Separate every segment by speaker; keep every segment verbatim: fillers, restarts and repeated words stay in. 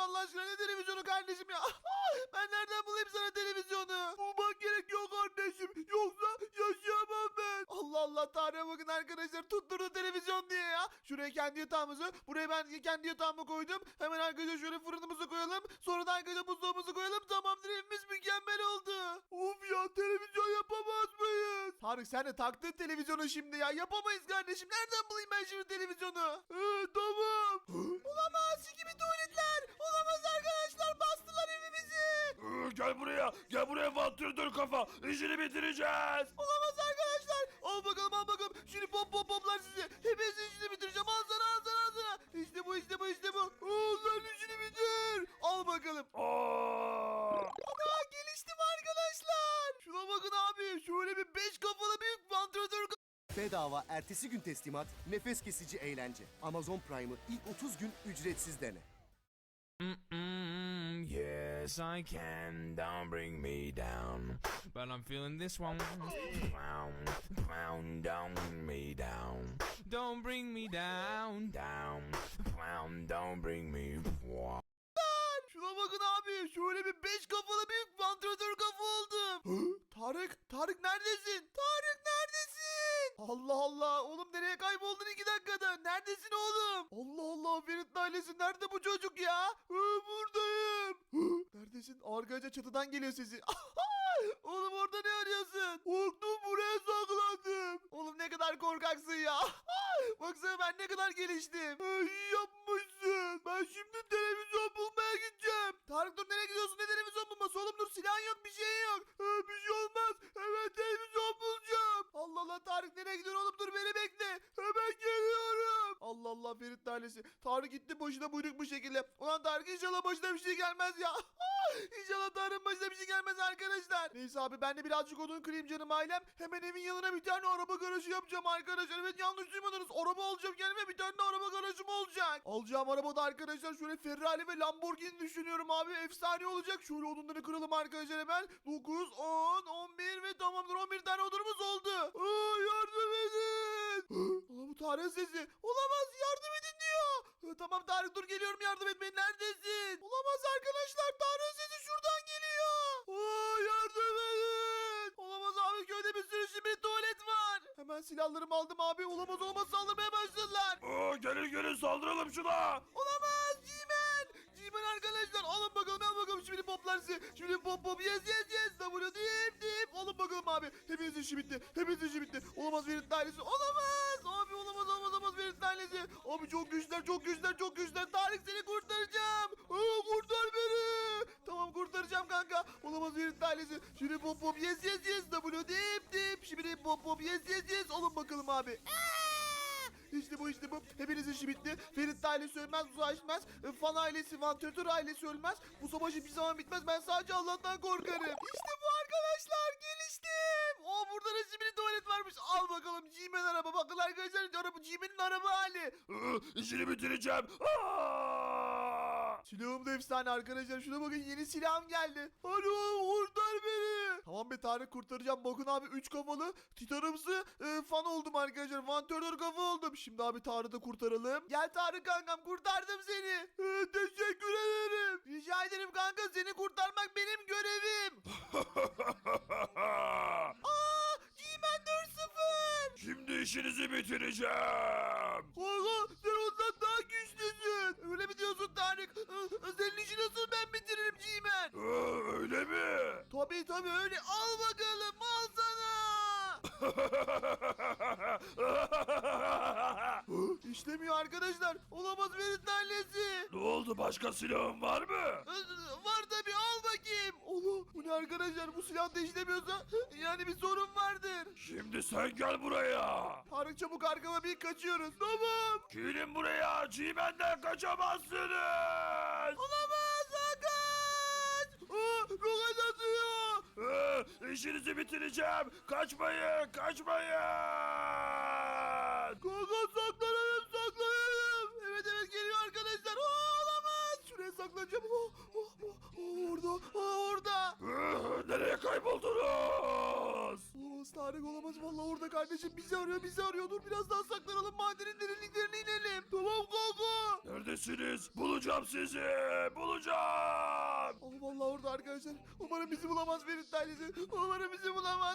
Speaker 1: Allah aşkına, ne televizyonu kardeşim ya? Ben nereden bulayım sana televizyonu? Bulmak gerekiyor kardeşim. Yoksa yaşayamam ben. Allah Allah, Tanrı'ya bakın arkadaşlar, tutturdu televizyon diye ya. Şuraya kendi yatağımızı, buraya ben kendi yatağımı koydum. Hemen arkadaşlar şöyle fırınımızı koyalım. Sonra da arkadaşlar buzdolabımızı koyalım. Tamamdır, evimiz mükemmel oldu. Of ya, televizyon yapamaz mıyız? Tarık, sen de taktın televizyonu şimdi ya. Yapamayız kardeşim. Nereden bulayım ben şimdi televizyonu? Ee, tamam. Olamaz, gibi tuvaletler. Olamaz arkadaşlar, bastılar evimizi.
Speaker 2: Ee, Gel buraya. Gel buraya vantilatör kafa. İşini bitireceğiz.
Speaker 1: Olamaz arkadaşlar. Al bakalım, al bakalım. Şimdi pop pop poplar sizi. Hepinizin işini bitireceğim. Al sana, al sana, al sana. İşte bu, işte bu, işte bu. Al lan, işini bitir. Al bakalım.
Speaker 2: Aa!
Speaker 1: Ana, geliştim arkadaşlar. Şuna bakın abi. Şöyle bir beş kafalı büyük vantilatör.
Speaker 3: Bedava ertesi gün teslimat, nefes kesici eğlence. Amazon Prime'ı ilk otuz gün ücretsiz dene.
Speaker 4: Mm-mm, yes, I can. Don't bring me down. But I'm feeling this one. Pound, pound, don't bring me down. Don't bring me down, down. Pound, don't bring me.
Speaker 1: Şuna bakın abi. Şöyle bir beş kafalı büyük vantilatör kafa oldum. Hı? Tarık, Tarık neredesin? Tarık neredesin? Allah Allah. Oğlum nereye kayboldun iki dakikada? Neredesin oğlum? Allah Allah. Ferit ailesi, nerede bu çocuk ya? Hı, buradayım. Hı, neredesin? Arkadaşlar çatıdan geliyor sesi. Oğlum orada ne arıyorsun? Korktum, buraya saklandım. Oğlum ne kadar korkaksın ya. Baksana ben ne kadar geliştim. İyi yapmışsın. Ben şimdi televizyon bulmaya gideceğim. Tarık dur, nereye gidiyorsun? Ne televizyon bulması? Oğlum dur, silahın yok, bir şey yok. Ee, bir şey olmaz. Evet, televizyon bulacağım. Allah Allah, Tarık nereye gidiyorsun oğlum? Dur, beni bekle. Hemen geliyorum. Allah Allah, Ferit ailesi. Tarık gitti boşuna buyruk bu şekilde. Ulan Tarık, inşallah başına bir şey gelmez ya. İnşallah Tarık'ın başına bir şey gelmez arkadaşlar. Neyse abi, ben de birazcık odun kırayım canım ailem. Hemen evin yanına bir tane araba garajı yapacağım arkadaşlar. Evet, yanlış duymadınız. Araba alacağım kendime, bir tane de araba garajım olacak. Alacağım arabada arkadaşlar şöyle Ferrari ve Lamborghini düşünüyorum abi. Efsane olacak. Şöyle odunları kıralım arkadaşlar hemen. dokuz, on, on bir ve tamamdır, on bir tane odunumuz oldu. Aa, yardım edin. Aa, bu Tarık'ın sesi. Olamaz, yardım edin diyor. Aa, tamam Tarık, dur geliyorum yardım etmeye. Neredesin? Olamaz arkadaşlar, Tarık'ın sesi şuradan geliyor. Aa, yardım edin. Olamaz abi, köyde bir sürü şimdi tuvalet var. Hemen silahlarımı aldım abi. Olamaz, olamaz, saldırmaya başladılar.
Speaker 2: Aa, gelin gelin saldıralım şuna.
Speaker 1: Olamaz, G-Man. G-Man arkadaşlar, alın bakalım, al bakalım şimdi poplar sizi. Şimdi pop pop, yes yes yes. W dip dip. Alın bakalım abi. Hepinizin işi bitti. Hepinizin işi bitti. Olamaz Ferit ailesi. Olamaz. Abi olamaz, olamaz, olamaz Ferit ailesi. Abi çok güçler, çok güçler, çok güçler. Tarık, seni kurtaracağım. Aa, kurtar beni. Tamam, kurtaracağım kanka. Olamaz Ferit ailesi. Şimdi pop pop, yes yes yes. W dip dip. Şimdi pop pop, yes yes yes. Alın bakalım abi. İşte bu, işte bu. Hepinizin işi bitti. Ferit ailesi ölmez, uzlaşmaz. E, Fan ailesi, vantilatör ailesi ölmez. Bu savaş hiçbir zaman bitmez. Ben sadece Allah'tan korkarım. İşte bu arkadaşlar. Geliştim. O burada da şimdi tuvalet varmış. Al bakalım G-Man araba. Bakın arkadaşlar, araba G-Man'in araba hali.
Speaker 2: Ee, işini bitireceğim. Aa!
Speaker 1: Silahım da efsane arkadaşlar. Şuna bakın, yeni silahım geldi. Alo, kurtar beni. Tamam be Tarık, kurtaracağım. Bakın abi, üç kafalı titanımsı e, fan oldum arkadaşlar. Vantilatör kafa oldum. Şimdi abi Tarık'ı da kurtaralım. Gel Tarık kankam, kurtardım seni. E, teşekkür ederim. Rica ederim kanka, seni kurtarmak benim görevim. Aa, G-Man dört sıfır.
Speaker 2: Şimdi işinizi bitireceğim.
Speaker 1: Kanka, sen ondan daha güçlüsün. Öyle mi diyorsun Tarık? E, senin işi nasıl ben bitiririm G-Man?
Speaker 2: Ee, öyle mi?
Speaker 1: Tabii tabii öyle. Al bakalım, al sana. İşlemiyor arkadaşlar. Olamaz Ferit ailesi.
Speaker 2: Ne oldu, başka silahın var mı?
Speaker 1: Var tabii, al bakayım. Allah, bu ne arkadaşlar, bu silah da işlemiyorsa yani bir sorun vardır.
Speaker 2: Şimdi sen gel buraya.
Speaker 1: Tarık çabuk arkama bir, kaçıyoruz. Tamam.
Speaker 2: Gelin buraya, G-Man'den kaçamazsınız.
Speaker 1: Olamaz, kaç. Aa, roket atıyor.
Speaker 2: Ee, işinizi bitireceğim. Kaçmayın, kaçmayın.
Speaker 1: Kanka saklanalım, saklanalım. Evet evet, geliyor arkadaşlar. Aa, olamaz. Şuraya saklanacağım. Oh, oh, oh, oh, orada, oh, orada.
Speaker 2: Ee, nereye kayboldunuz?
Speaker 1: Olamaz Tarık, olamaz. Vallahi orada kardeşim, bizi arıyor, bizi arıyor. Dur biraz daha saklanalım, madenin derinliklerine inelim. Tamam kanka.
Speaker 2: Neredesin? neredesiniz? Bulacağım sizi. Bulacağım.
Speaker 1: Oh vallahi orada arkadaşlar. Umarım bizi bulamaz Ferit ailesi. Umarım bizi bulamaz.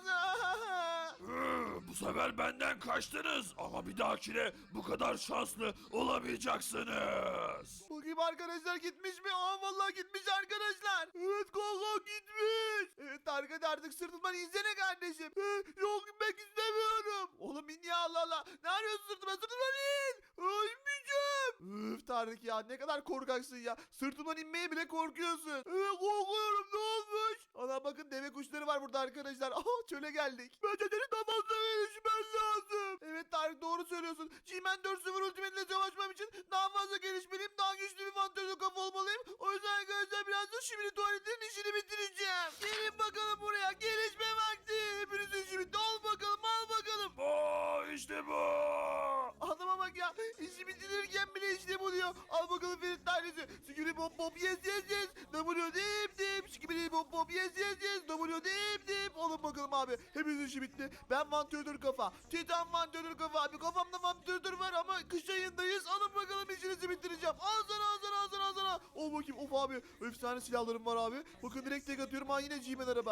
Speaker 2: Hı, bu sefer benden kaçtınız ama bir dahakine bu kadar şanslı olamayacaksınız.
Speaker 1: Bakayım arkadaşlar gitmiş mi? Aa vallahi gitmiş arkadaşlar. Evet kanka gitmiş. Evet Tarık hadi artık sırtımdan insene kardeşim. Ee, yok gitmek istemiyorum. Oğlum in ya Allah Allah. Ne arıyorsun sırtıma? Sırtımdan in. Aa, inmeyeceğim. Üf Tarık ya ne kadar korkaksın ya. Sırtımdan inmeye bile korkuyorsun. Evet korkuyorum ne olmuş? Ana bakın deve kuşları var burada arkadaşlar. Aha çöle geldik. Bence seni daha fazla gelişmen lazım. Evet Tarık doğru söylüyorsun. G-Man dört sıfır Ultimate ile savaşmam için daha fazla gelişmeliyim. Daha güçlü bir vantajlı kafa olmalıyım. O yüzden arkadaşlar birazdan şimdi tuvaletin işini bitireceğim. Gelin bakalım buraya. Gelişme vakti. Hepinizin işi bitti. Al bakalım al bakalım.
Speaker 2: Aa, işte bu.
Speaker 1: Adama bak ya. İşi bitirirken bile işte bu diyor. Al bakalım Ferit tanesi. Sikiri pop pop yes yes yes. W dip dip. Sikiri pop pop yes yes yes. W dip dip. Alın bakalım abi. Hepinizin işi bitti. Ben vantilatör kafa. Titan vantilatör kafa abi. Kafamda vantilatör var ama kış ayındayız. Alın bakalım işinizi bitireceğim. Al sana al sana al sana al sana. Ol bakayım of abi. Efsane silahlarım var abi. Bakın direkt tek atıyorum. Ha yine G-Man araba.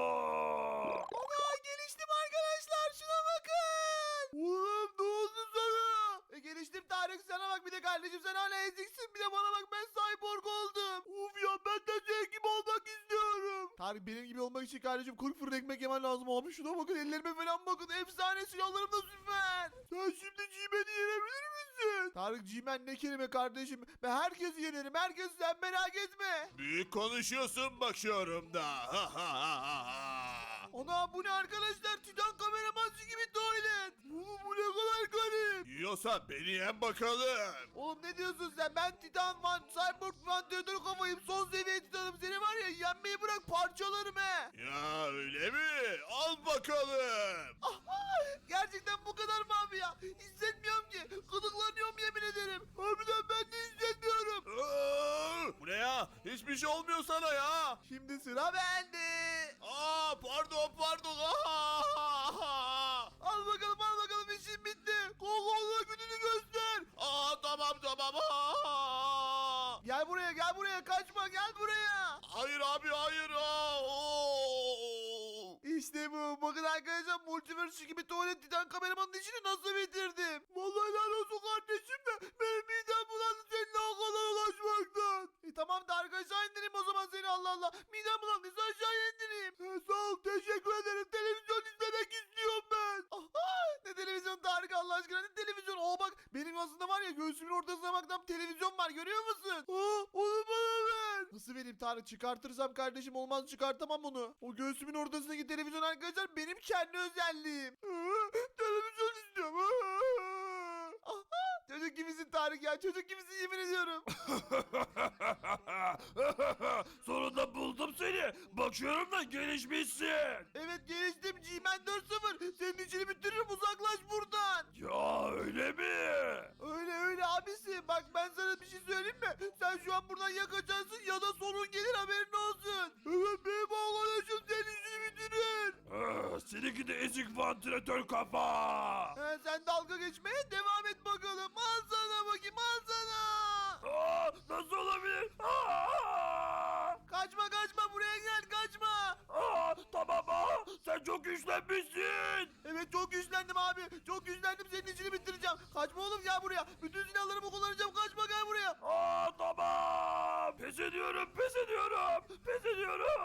Speaker 2: Aa,
Speaker 1: Ana geliştim arkadaşlar. Şuna bakın. Oğlum ne oldu sana? E, geliştim Tarık sana bak bir de kardeşim sen hala eziksin. Bir de bana bak ben cyborg oldum. Uf ya ben de senin gibi olmak istiyorum. Tarık benim gibi olmak için kardeşim kırk fırın ekmek yemen lazım abi. Şuna bakın ellerime falan bakın. Efsane silahlarım da süper. Sen şimdi G-Man'i yenebilir misin? Tarık G-Man ne kelime kardeşim. Ben herkesi yenerim. Herkes sen merak etme.
Speaker 2: büyük konuşuyorsun bakıyorum da. Ha, ha, ha, ha.
Speaker 1: Ana bu ne arkadaşlar? Titan kameramansı gibi tuvalet. Bu, bu ne kadar garip.
Speaker 2: Yiyorsa beni yen bakalım.
Speaker 1: Oğlum ne diyorsun sen? Ben Titan Van, Cyborg Vantilatör kafayım. Son seviye Titan'ım. Seni var ya yenmeyi bırak parçalarım he.
Speaker 2: Ya öyle mi? Al bakalım.
Speaker 1: Gerçekten bu kadar mı abi ya? Hissetmiyorum ki. Gıdıklanıyorum yemin ederim. Harbiden ben de hissetmiyorum.
Speaker 2: Aa, bu ne ya? Hiçbir şey olmuyor sana ya.
Speaker 1: Şimdi sıra bende.
Speaker 2: Aa, pardon pardon. Aa,
Speaker 1: Al bakalım al bakalım işim bitti. Kokolla gününü göster.
Speaker 2: Aa, tamam tamam. Aa.
Speaker 1: Gel buraya gel buraya kaçma gel buraya.
Speaker 2: Hayır abi hayır. Aa, oo.
Speaker 1: İşte bu. Bakın arkadaşlar Multiverse gibi tuvalet Titan kameramanın işini nasıl bitirdim. Vallahi helal olsun kardeşim de benim midem bulandı seninle o kadar ulaşmaktan. E tamam da aşağı indireyim o zaman seni Allah Allah. Midem bulandıysa aşağıya indireyim. He, sağ ol teşekkür ederim. Televizyon izlemek istiyorum ben. Aha, ne televizyon Tarık Allah aşkına ne televizyon. Oo bak benim aslında var ya göğsümün ortasına bak tam televizyon var görüyor musun? Aa, onu bana ver. Nasıl vereyim Tarık çıkartırsam kardeşim olmaz çıkartamam onu. O göğsümün ortasındaki televizyon arkadaşlar benim kendi özelliğim. Aa, televizyon istiyorum. Aa. Aha, çocuk gibisin Tarık ya çocuk gibisin yemin ediyorum.
Speaker 2: Sonunda buldum seni. Bakıyorum da gelişmişsin.
Speaker 1: Evet geliştim G-Man dört sıfır. Senin işini bitiririm uzaklaş buradan.
Speaker 2: Ya öyle mi?
Speaker 1: Öyle öyle abisi. Bak ben sana bir şey söyleyeyim mi? Sen şu an buradan ya kaçarsın ya da sonun gelir haberin olsun. Evet benim arkadaşım senin işini bitirir.
Speaker 2: Ah, seninki de ezik vantilatör kafa.
Speaker 1: He, sen dalga geçmeye devam et bakalım. Al sana bakayım al sana.
Speaker 2: Aa, nasıl olabilir? Aa,
Speaker 1: Kaçma kaçma buraya gel kaçma.
Speaker 2: aa, tamam aa, sen çok güçlenmişsin.
Speaker 1: Evet çok güçlendim abi. Çok güçlendim senin işini bitireceğim. Kaçma oğlum gel buraya. Bütün silahlarımı kullanacağım. Kaçma gel buraya.
Speaker 2: Aa, tamam. Pes ediyorum, pes ediyorum, pes ediyorum.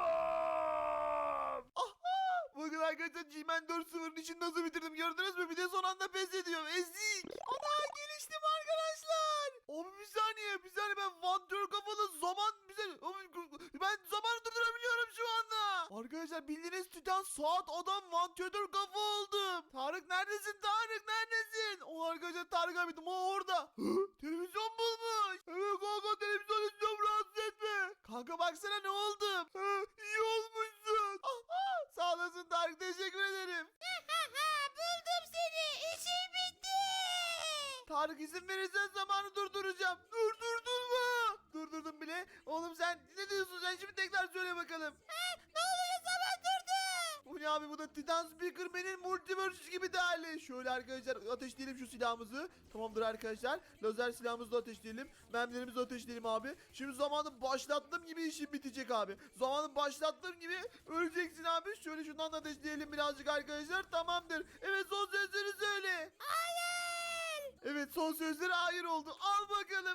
Speaker 1: Bakın arkadaşlar G-Man dört sıfırın işini nasıl bitirdim gördünüz mü? Bir de son anda pes ediyorum. Ezik. Ana geliştim arkadaşlar. Abi bir saniye bir saniye ben vantör kafalı zaman bir saniye. Abi, ben zamanı durdurabiliyorum şu anda. Arkadaşlar bildiğiniz Titan saat adam vantör kafa oldum. Tarık neredesin Tarık neredesin? O arkadaşlar Tarık abiydim o orada. Hı? Televizyon bulmuş. Evet kanka televizyon istiyorum rahatsız etme. Kanka baksana ne oldum. Hı, iyi olmuşsun. Aha, sağ olasın Tarık teşekkür ederim.
Speaker 5: Buldum seni. İşim bitti.
Speaker 1: Tarık izin verirsen zamanı durduracağım. Durdurdun mu? Durdurdum bile. Oğlum sen ne diyorsun sen şimdi tekrar söyle bakalım.
Speaker 5: Ne oluyor zaman durdu.
Speaker 1: Bu ne abi, bu da Titan Speakerman'in Multiverse gibi değerli. Şöyle arkadaşlar ateşleyelim şu silahımızı. Tamamdır arkadaşlar. Lazer silahımızı da ateşleyelim. Mermilerimizi de ateşleyelim abi. Şimdi zamanı başlattığım gibi işim bitecek abi. Zamanı başlattığım gibi öleceksin abi. Şöyle şundan da ateşleyelim birazcık arkadaşlar. Tamamdır. Evet, son sözleri söyle.
Speaker 5: Hayır.
Speaker 1: Evet, son sözleri hayır oldu. Al bakalım.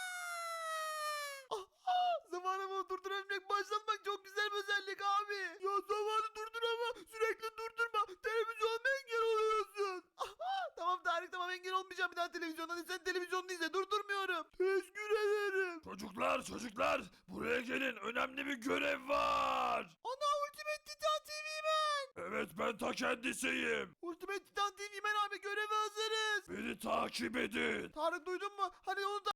Speaker 1: Ah, ah, zamanımı durdurabilmek, başlatmak çok güzel bir özellik abi. Ya zamanı durdur ama sürekli durdurma. Televizyonda engel oluyorsun. Ah, ah, tamam Tarık, tamam, engel olmayacağım bir daha televizyonda. Hadi sen televizyonda izle, durdurmuyorum. Teşekkür ederim.
Speaker 2: Çocuklar çocuklar buraya gelin, önemli bir görev var.
Speaker 1: Ana, Ultimate Titan T V Man.
Speaker 2: Evet, ben ta kendisiyim.
Speaker 1: Ultimate Titan T V Man abi, göreve hazırız.
Speaker 2: Beni takip edin.
Speaker 1: Tarık, duydun mu? Hadi onu